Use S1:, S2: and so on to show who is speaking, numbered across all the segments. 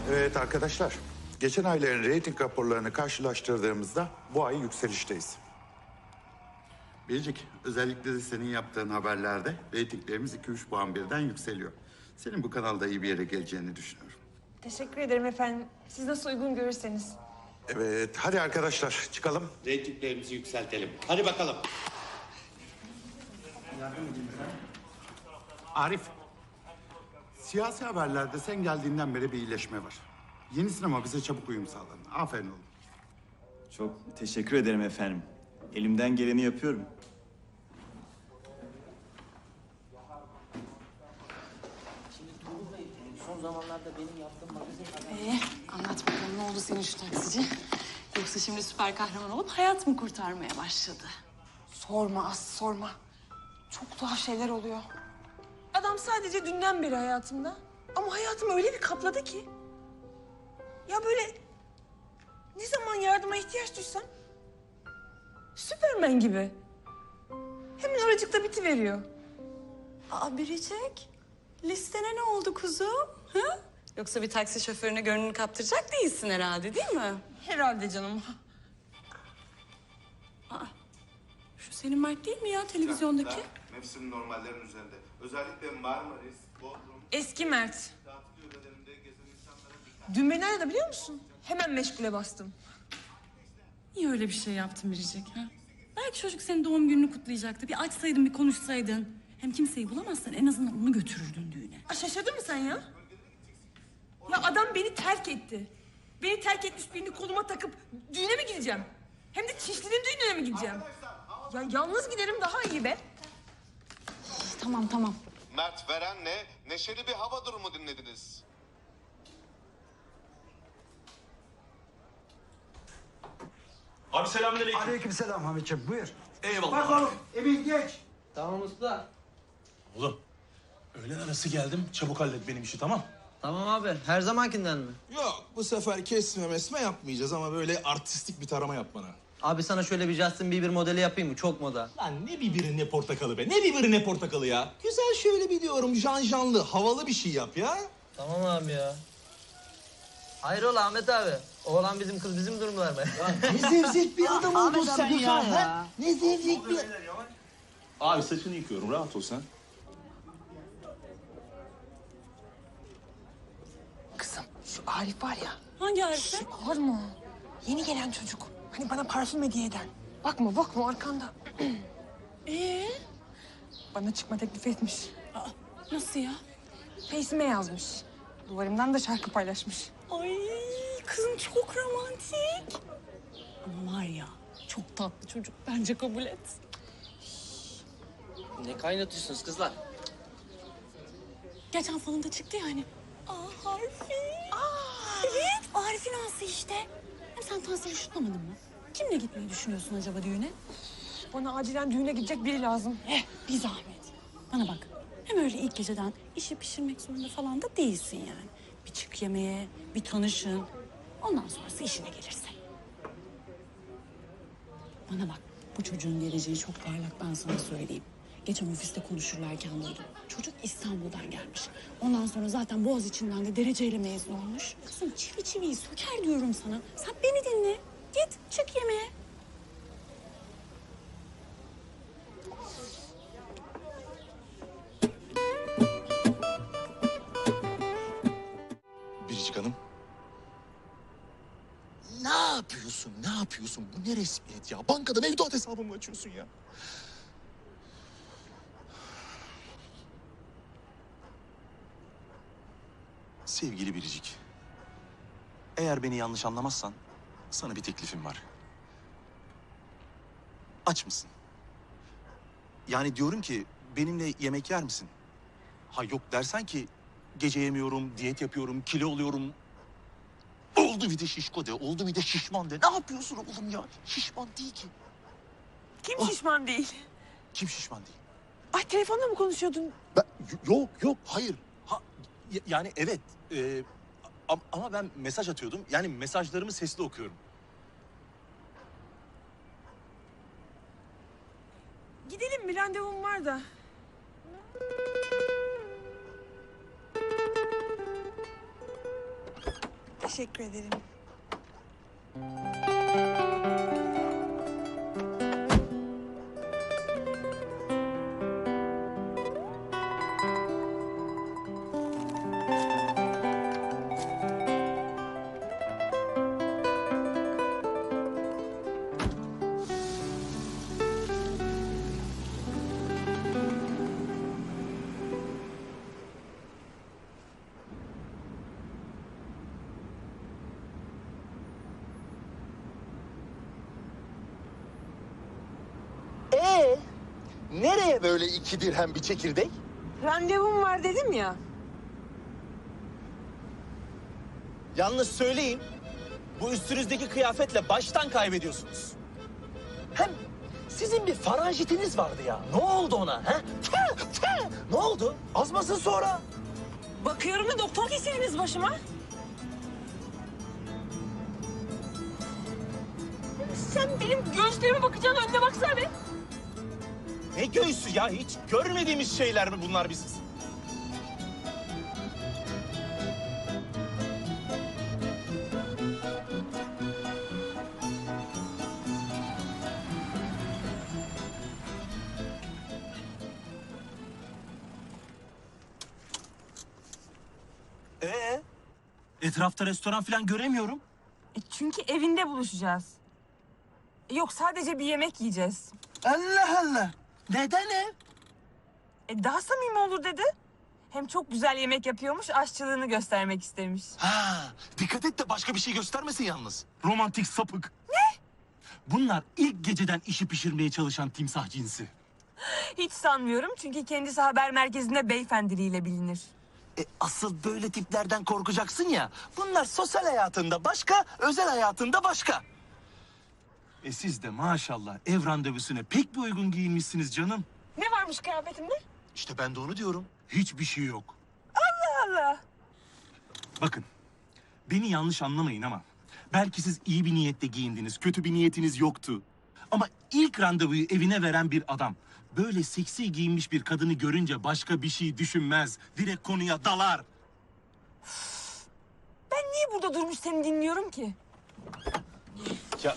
S1: Evet arkadaşlar, geçen ayların reyting raporlarını karşılaştırdığımızda bu ay yükselişteyiz. Biricik, özellikle de senin yaptığın haberlerde reytinglerimiz 2-3 puan birden yükseliyor. Senin bu kanalda iyi bir yere geleceğini düşünüyorum.
S2: Teşekkür ederim efendim. Siz nasıl uygun görürseniz.
S1: Evet, hadi arkadaşlar çıkalım.
S3: Reytinglerimizi yükseltelim. Hadi bakalım.
S1: Arif, siyasi haberlerde sen geldiğinden beri bir iyileşme var. Yeni sinema bize çabuk uyum sağladı. Aferin oğlum.
S4: Çok teşekkür ederim efendim. Elimden geleni yapıyorum.
S5: Son zamanlarda benim yaptığım magazin...
S6: Anlat bakalım, ne oldu senin şu taksici? Yoksa şimdi süper kahraman olup hayat mı kurtarmaya başladı?
S2: Sorma Aslı, sorma. Çok tuhaf şeyler oluyor. Adam sadece dünden beri hayatımda. Ama hayatımı öyle bir kapladı ki. Ya böyle ne zaman yardıma ihtiyaç duysam Süpermen gibi. Hemen oracıkta bitiveriyor.
S6: Aa Biricik, listene ne oldu kuzum? Ha? Yoksa bir taksi şoförüne gönlünü kaptıracak değilsin herhalde, değil mi?
S2: Herhalde canım.
S6: Şu senin Mert değil mi ya televizyondaki?
S7: Mevsim normallerin üzerinde. Özellikle Marmaris, Bodrum,
S2: Eski Mert.
S7: tatil yörelerinde gezen insanlara dikkat.
S2: Dün beni aradı biliyor musun? Hemen meşgule bastım.
S6: Niye öyle bir şey yaptın Biricik? Ha? Belki çocuk senin doğum gününü kutlayacaktı. Bir açsaydın, bir konuşsaydın. Hem kimseyi bulamazsan en azından onu götürürdün düğüne.
S2: Aa, şaşırdın mı sen ya? Ya adam beni terk etti. Beni terk etmiş birini koluma takıp düğüne mi gideceğim? Hem de Çişli'nin düğününe mi gideceğim? Ya yalnız giderim daha iyi be.
S6: Tamam.
S7: Mert Veren'le neşeli bir hava durumu dinlediniz.
S8: Abi selamünaleyküm.
S9: Aleykümselam Hamitciğim, buyur.
S8: Eyvallah.
S9: Bak oğlum, Emin geç.
S5: Tamam usta.
S8: Oğlum, öğlen arası geldim. Çabuk hallet benim işi, tamam?
S5: Tamam abi. Her zamankinden mi?
S10: Yok, bu sefer kesme mesme yapmayacağız ama böyle artistik bir tarama yap bana.
S5: Abi sana şöyle bir Justin Bieber modeli yapayım mı? Çok moda.
S10: Lan ne biberi ne portakalı be, ne biberi ne portakalı ya. Güzel şöyle bir diyorum, janjanlı, havalı bir şey yap ya.
S5: Tamam abi ya. Hayrola Ahmet abi? Oğlan bizim, kız bizim durumlar mı?
S9: Ne zevzek bir adam oldun sen ya. Ne zevzek bir...
S8: Abi saçını yıkıyorum, rahat ol sen.
S2: Kızım şu Arif var ya.
S6: Hangi Arif'te?
S2: Var mı? Yeni gelen çocuk. Hani bana parfüm hediye eden. Bakma arkanda. Bana çıkma teklif etmiş.
S6: Nasıl ya?
S2: Face'ime yazmış. Duvarımdan da şarkı paylaşmış.
S6: Ay kızım çok romantik. Ama var ya çok tatlı çocuk. Bence kabul et.
S5: Ne kaynatıyorsunuz kızlar?
S6: Geçen falında çıktı ya hani. Harfi. Evet Arif'in ağası işte. Hem sen Tansel'i şutlamadın mı? Kimle gitmeyi düşünüyorsun acaba düğüne?
S2: Bana acilen düğüne gidecek biri lazım.
S6: Bir zahmet. Bana bak. Hem öyle ilk geceden işi pişirmek zorunda falan da değilsin yani. Bir çık yemeğe, bir tanışın. Ondan sonrası işine gelirse. Bana bak, bu çocuğun geleceği çok parlak, ben sana söyleyeyim. Geçen ofiste konuşurlarken duydum. Çocuk İstanbul'dan gelmiş. Ondan sonra zaten Boğaziçi'nden de dereceyle mezun olmuş. Kızım çivi çiviyi söker diyorum sana. Sen beni dinle. Git, çık yemeğe.
S10: Biricik Hanım. Ne yapıyorsun, ne yapıyorsun? Bu ne resmiyet ya? Bankada mevduat hesabımı açıyorsun ya. Sevgili Biricik, eğer beni yanlış anlamazsan sana bir teklifim var. Aç mısın? Yani diyorum ki benimle yemek yer misin? Ha yok dersen ki gece yemiyorum, diyet yapıyorum, kilo oluyorum. Oldu bir de şişko de, oldu bir de şişman de. Ne yapıyorsun oğlum ya? Şişman değil ki.
S2: Kim şişman değil?
S10: Kim şişman değil?
S2: Ay telefonla mı konuşuyordun?
S10: Yok, hayır. Ha, yani evet. Ama ben mesaj atıyordum. Yani mesajlarımı sesli okuyorum.
S2: Gidelim bir randevum var da. Teşekkür ederim.
S10: Nereye böyle 2 dirhem bir çekirdek?
S2: Randevum var dedim ya.
S10: Yalnız söyleyeyim, bu üstünüzdeki kıyafetle baştan kaybediyorsunuz. Hem sizin bir faranjitiniz vardı ya. Ne oldu ona? He? Ne oldu? Azmasın sonra.
S2: Bakıyorum da doktor kesiliniz başıma. Sen benim göğüslerime bakacağın önüne baksana be.
S10: Ne göğsü ya? Hiç görmediğimiz şeyler mi bunlar biz? Etrafta restoran falan göremiyorum.
S2: Çünkü evinde buluşacağız. Yok, sadece bir yemek yiyeceğiz.
S10: Allah Allah. Neden ev?
S2: Daha samimi olur dedi. Hem çok güzel yemek yapıyormuş, aşçılığını göstermek istemiş.
S10: Ha, dikkat et de başka bir şey göstermesin yalnız. Romantik sapık. Ne? Bunlar ilk geceden işi pişirmeye çalışan timsah cinsi.
S2: Hiç sanmıyorum çünkü kendisi haber merkezinde beyefendiliğiyle bilinir.
S10: Asıl böyle tiplerden korkacaksın ya. Bunlar sosyal hayatında başka, özel hayatında başka. Siz de maşallah ev randevusuna pek bir uygun giyinmişsiniz canım.
S2: Ne varmış kıyafetimde?
S10: İşte ben de onu diyorum. Hiçbir şey yok.
S2: Allah!
S8: Bakın, beni yanlış anlamayın ama belki siz iyi bir niyetle giyindiniz, kötü bir niyetiniz yoktu. Ama ilk randevuyu evine veren bir adam böyle seksi giyinmiş bir kadını görünce başka bir şey düşünmez. Direkt konuya dalar.
S2: Ben niye burada durmuş seni dinliyorum ki?
S10: Ya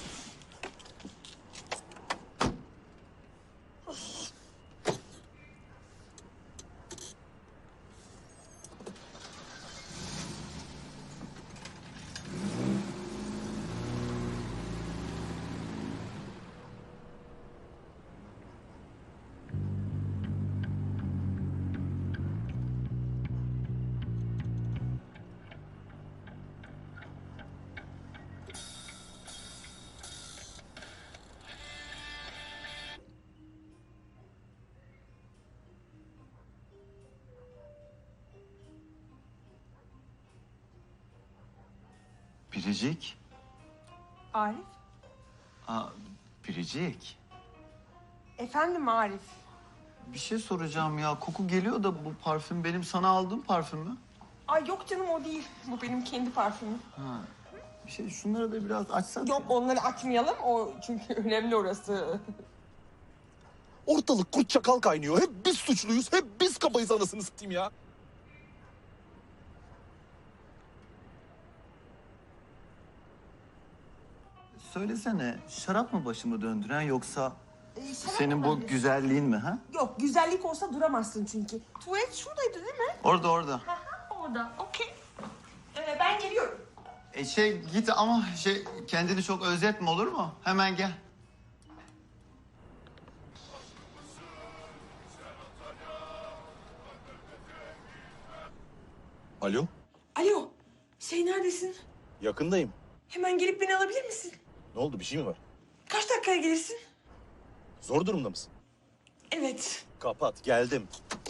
S4: Biricik.
S2: Arif?
S4: Biricik.
S2: Efendim Arif?
S4: Bir şey soracağım ya. Koku geliyor da bu parfüm benim sana aldığım parfüm mü?
S2: Ay yok canım, o değil. Bu benim kendi parfümüm.
S4: Bir şey şunları da biraz açsana.
S2: Yok, onları açmayalım. O çünkü önemli orası.
S10: ortalık kurt çakal kaynıyor. Hep biz suçluyuz, hep biz kabayız anasını satayım ya.
S4: Söylesene, şarap mı başımı döndüren yoksa senin bu güzelliğin mi ha?
S2: Yok, güzellik olsa duramazsın çünkü. Tuvalet şuradaydı değil mi?
S4: Orada.
S2: Orada, okey. Ben geliyorum.
S4: Git ama kendini çok özetme olur mu? Hemen gel.
S10: Alo,
S2: Alo, neredesin?
S10: yakındayım.
S2: Hemen gelip beni alabilir misin?
S10: Ne oldu, bir şey mi var?
S2: Kaç dakikaya gelirsin?
S10: Zor durumda mısın?
S2: Evet.
S10: Kapat, geldim.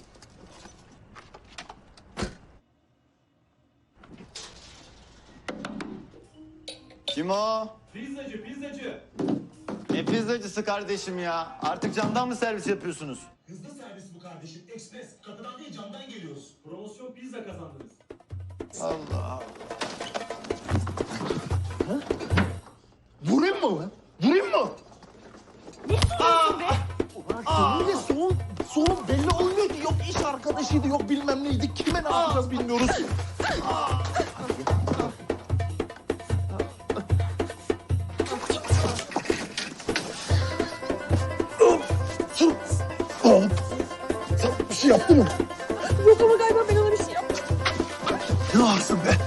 S4: Kim o?
S8: Pizzacı.
S4: Ne pizzacısı kardeşim ya? Artık camdan mı servis yapıyorsunuz?
S8: Hızlı servis bu kardeşim. Ekspres. Kapıdan değil camdan geliyoruz. Promosyon pizza kazandınız.
S4: Allah Allah.
S10: Vurayım mı lan? Vurayım mı?
S9: Seninle soğuk belli olmuyor ki. Yok iş arkadaşıydı, yok bilmem neydi. Kime ne yapacağız bilmiyoruz. şey yaptı mı?
S2: Yok ama galiba ben ona bir şey yaptım.
S9: Ne varsın be?